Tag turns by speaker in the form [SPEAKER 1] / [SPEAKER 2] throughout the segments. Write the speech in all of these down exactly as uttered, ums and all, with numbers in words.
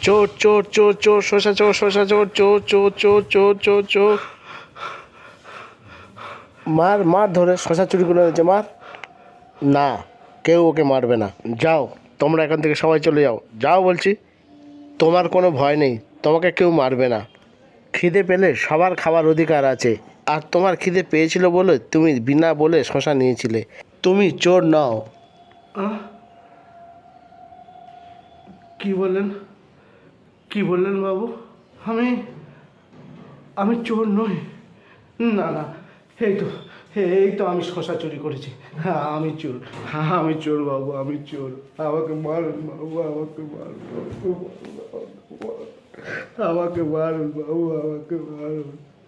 [SPEAKER 1] চোর চোর চোর চোর শসা চোর শসা চোর চোর চোর চোর চোর চোর চোর। মার মার ধরে শসা চুরি করে এনেছে, মার। না, কেউ ওকে মারবে না। যাও, তোমরা এখান থেকে সবাই চলে যাও, যাও বলছি। তোমার কোনো ভয় নেই, তোমাকে কেউ মারবে না। খিদে পেলে সবার খাবার অধিকার আছে, আর তোমার খিদে পেয়েছিল বলে তুমি বিনা বলে শসা নিয়েছিলে। তুমি চোর নাও।
[SPEAKER 2] কি বললেন? কি বললেন বাবু? আমি আমি চোর নই। না না, এই তো এই তো আমি শশা চুরি করেছি। হ্যাঁ আমি চোর, হ্যাঁ আমি চোর বাবু, আমি চোর। আমাকে মারুন বাবু, আমাকে মারুন বাবু, আমাকে মারুন বাবু, আমাকে মারুন।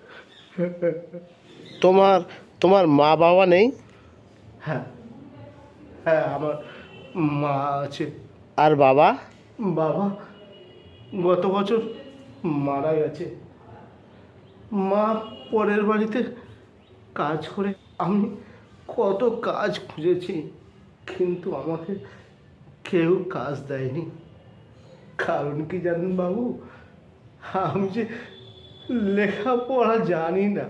[SPEAKER 1] তোমার তোমার মা বাবা নেই?
[SPEAKER 2] হ্যাঁ হ্যাঁ, আমার মা আছে।
[SPEAKER 1] আর বাবা?
[SPEAKER 2] বাবা গত বছর মারা গেছে। মা পরের বাড়িতে কাজ করে। আমি কত কাজ খুঁজেছি, কিন্তু আমাকে কেউ কাজ দেয়নি। কারণ কি জানেন বাবু? আমি যে লেখাপড়া জানি না।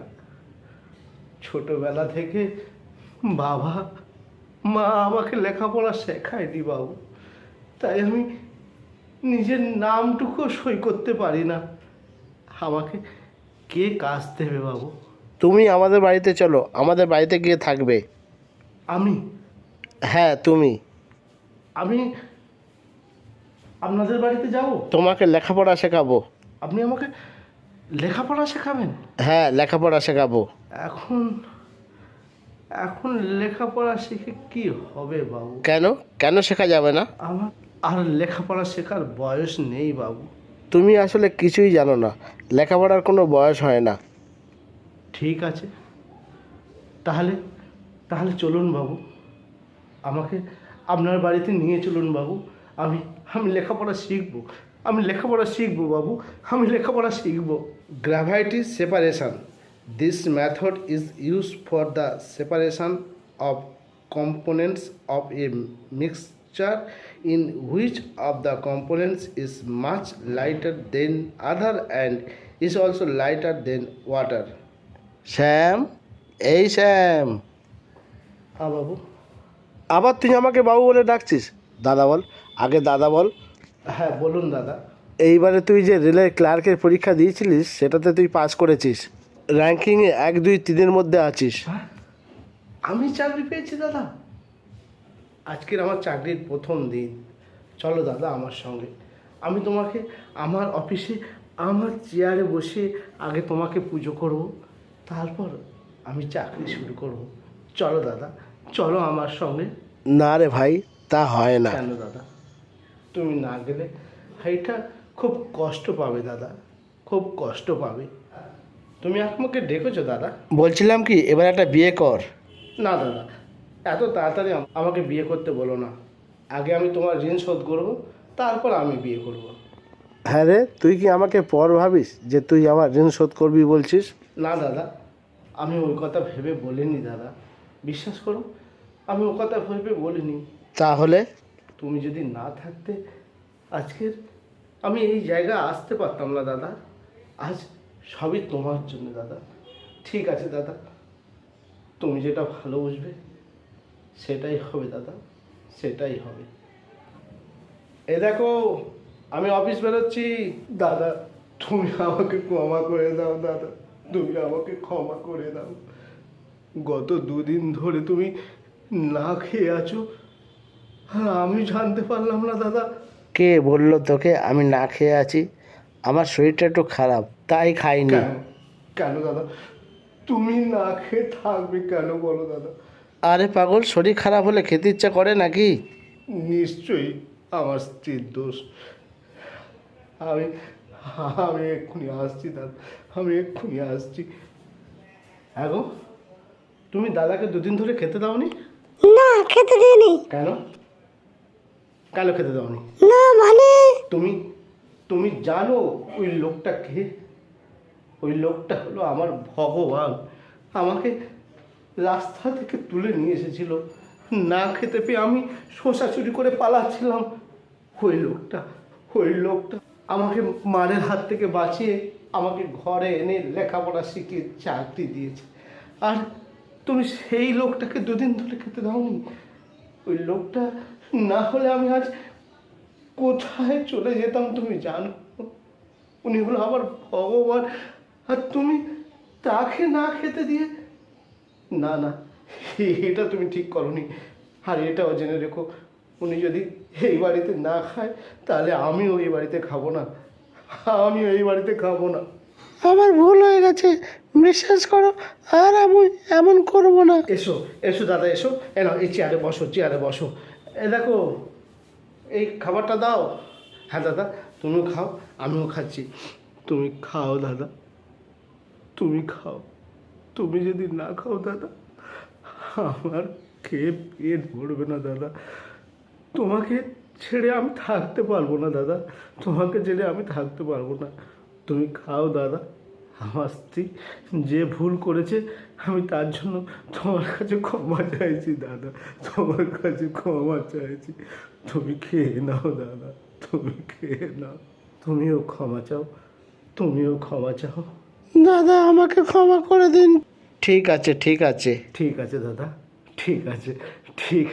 [SPEAKER 2] ছোটবেলা থেকে বাবা মা আমাকে লেখাপড়া শেখায়নি বাবু। তাই আমি নিজের নামটুকু সই করতে পারি না। আমাকে কে কাজ দেবে বাবু?
[SPEAKER 1] তুমি আমাদের বাড়িতে চলো, আমাদের বাড়িতে গিয়ে থাকবে।
[SPEAKER 2] আমি
[SPEAKER 1] হ্যাঁ তুমি।
[SPEAKER 2] আমি আপনাদের বাড়িতে যাব?
[SPEAKER 1] তোমাকে লেখাপড়া শেখাবো।
[SPEAKER 2] আপনি আমাকে লেখাপড়া শেখাবেন?
[SPEAKER 1] হ্যাঁ, লেখাপড়া শেখাবো।
[SPEAKER 2] এখন এখন লেখাপড়া শিখে কি হবে বাবু?
[SPEAKER 1] কেন কেন শেখা যাবে না?
[SPEAKER 2] আমার আর লেখাপড়া শেখার বয়স নেই বাবু।
[SPEAKER 1] তুমি আসলে কিছুই জানো না, লেখাপড়ার কোনো বয়স হয় না।
[SPEAKER 2] ঠিক আছে, তাহলে তাহলে চলুন বাবু, আমাকে আপনার বাড়িতে নিয়ে চলুন বাবু। আমি আমি লেখাপড়া শিখবো, আমি লেখাপড়া শিখবো বাবু, আমি লেখাপড়া শিখবো। Gravity separation, this method is use for the separation of components of a mixture in which of the components is much lighter than other and is also lighter than water.
[SPEAKER 1] Shyam, এই শ্যাম।
[SPEAKER 2] হ্যাঁ বাবু।
[SPEAKER 1] আবার তুই আমাকে বাবু বলে ডাকছিস? দাদা বল, আগে দাদা বল।
[SPEAKER 2] হ্যাঁ বলুন দাদা।
[SPEAKER 1] এইবারে তুই যে রেলের ক্লার্কের পরীক্ষা দিয়েছিলিস সেটাতে তুই পাস করেছিস, র্যাঙ্কিংয়ে এক দুই তিনের মধ্যে আছিস।
[SPEAKER 2] হ্যাঁ, আমি চাকরি পেয়েছি দাদা। আজকের আমার চাকরির প্রথম দিন। চলো দাদা আমার সঙ্গে, আমি তোমাকে আমার অফিসে আমার চেয়ারে বসে আগে তোমাকে পুজো করব, তারপর আমি চাকরি শুরু করব। চলো দাদা, চলো আমার সঙ্গে।
[SPEAKER 1] না রে ভাই, তা হয় না।
[SPEAKER 2] কেন দাদা? তুমি না গেলে ভাইটা খুব কষ্ট পাবে দাদা, খুব কষ্ট পাবে। তুমি আমাকে ডেকেছো দাদা?
[SPEAKER 1] বলছিলাম কি, এবার একটা বিয়ে কর।
[SPEAKER 2] না দাদা, এত তাড়াতাড়ি আম- আমাকে বিয়ে করতে বলো না। আগে আমি তোমার ঋণ শোধ করবো, তারপর আমি বিয়ে করব।
[SPEAKER 1] হ্যাঁ রে, তুই কি আমাকে পর ভাবিস যে তুই আমার ঋণ শোধ করবি বলছিস?
[SPEAKER 2] না দাদা, আমি ওই কথা ভেবে বলিনি দাদা, বিশ্বাস করো, আমি ওই কথা ভেবে বলিনি।
[SPEAKER 1] তাহলে?
[SPEAKER 2] তুমি যদি না থাকতে আজকের আমি এই জায়গায় আসতে পারতাম না দাদা। আজ সবই তোমার জন্য দাদা। ঠিক আছে দাদা, তুমি যেটা ভালো বুঝবে সেটাই হবে দাদা, সেটাই হবে। এ দেখো, আমি অফিস বেরোচ্ছি। দাদা তুমি আমাকে ক্ষমা করে দাও দাদা, তুমি আমাকে ক্ষমা করে দাও। গত দুদিন ধরে তুমি না খেয়ে আছো, আর আমি জানতে পারলাম না দাদা।
[SPEAKER 1] কে বললো তোকে আমি না খেয়ে আছি? আমার শরীরটা একটু খারাপ, তাই খাইনি।
[SPEAKER 2] কেন কেন দাদা, তুমি না খেয়ে থাকবে কেন বলো দাদা?
[SPEAKER 1] আরে পাগল, শরীর খারাপ হলে খেতে ইচ্ছা করে নাকি?
[SPEAKER 2] নিশ্চয়ই আমার স্ত্রীর দোষ। আমি আমি এক্ষুনি আসছি দাদা, আমি এক্ষুনি আসছি। হ্যাঁ গো, তুমি দাদাকে দুদিন ধরে খেতে দাওনি?
[SPEAKER 3] না, খেতে দিইনি।
[SPEAKER 2] কেন কেন খেতে দাওনি?
[SPEAKER 3] না মানে
[SPEAKER 2] তুমি তুমি জানো ওই লোকটা কে? ওই লোকটা হলো আমার ভগবান। আমাকে রাস্তা থেকে তুলে নিয়ে এসেছিল, না খেতে পেয়ে আমি শসা চুরি করে পালাচ্ছিলাম। ওই লোকটা ওই লোকটা আমাকে মারের হাত থেকে বাঁচিয়ে আমাকে ঘরে এনে লেখাপড়া শিখিয়ে চাকরি দিয়েছে। আর তুমি সেই লোকটাকে দুদিন ধরে খেতে দাওনি। ওই লোকটা না হলে আমি আজ কোথায় চলে যেতাম তুমি জানো। উনি হলো আমার ভগবান, আর তুমি তাকে না খেতে দিয়ে, না না, এটা তুমি ঠিক করনি। আর এটাও জেনে রেখো, উনি যদি এই বাড়িতে না খায় তাহলে আমিও এই বাড়িতে খাবো না, আমিও এই বাড়িতে খাবো না।
[SPEAKER 1] আমার ভুল হয়ে গেছে, বিশ্বাস করো, আর আমি এমন করবো না।
[SPEAKER 2] এসো এসো দাদা, এসো। এনো এই চেয়ারে বসো, চেয়ারে বসো। এ দেখো, এই খাবারটা দাও। হ্যাঁ দাদা, তুমিও খাও, আমিও খাচ্ছি। তুমি খাও দাদা, তুমি খাও। তুমি যদি না খাও দাদা, আমার খেয়ে পেট ভরবে না দাদা। তোমাকে ছেড়ে আমি থাকতে পারবো না দাদা, তোমাকে ছেড়ে আমি থাকতে পারবো না। তুমি খাও দাদা। আমার স্ত্রী যে ভুল করেছে আমি তার জন্য তোমার কাছে ক্ষমা চাইছি দাদা, তোমার কাছে ক্ষমা চাইছি। তুমি খেয়ে নাও দাদা, তুমি খেয়ে নাও। তুমিও ক্ষমা চাও, তুমিও ক্ষমা চাও।
[SPEAKER 1] দাদা আমাকে ক্ষমা করে দিন। ঠিক আছে, ঠিক আছে।
[SPEAKER 2] ঠিক আছে দাদা, ঠিক আছে, ঠিক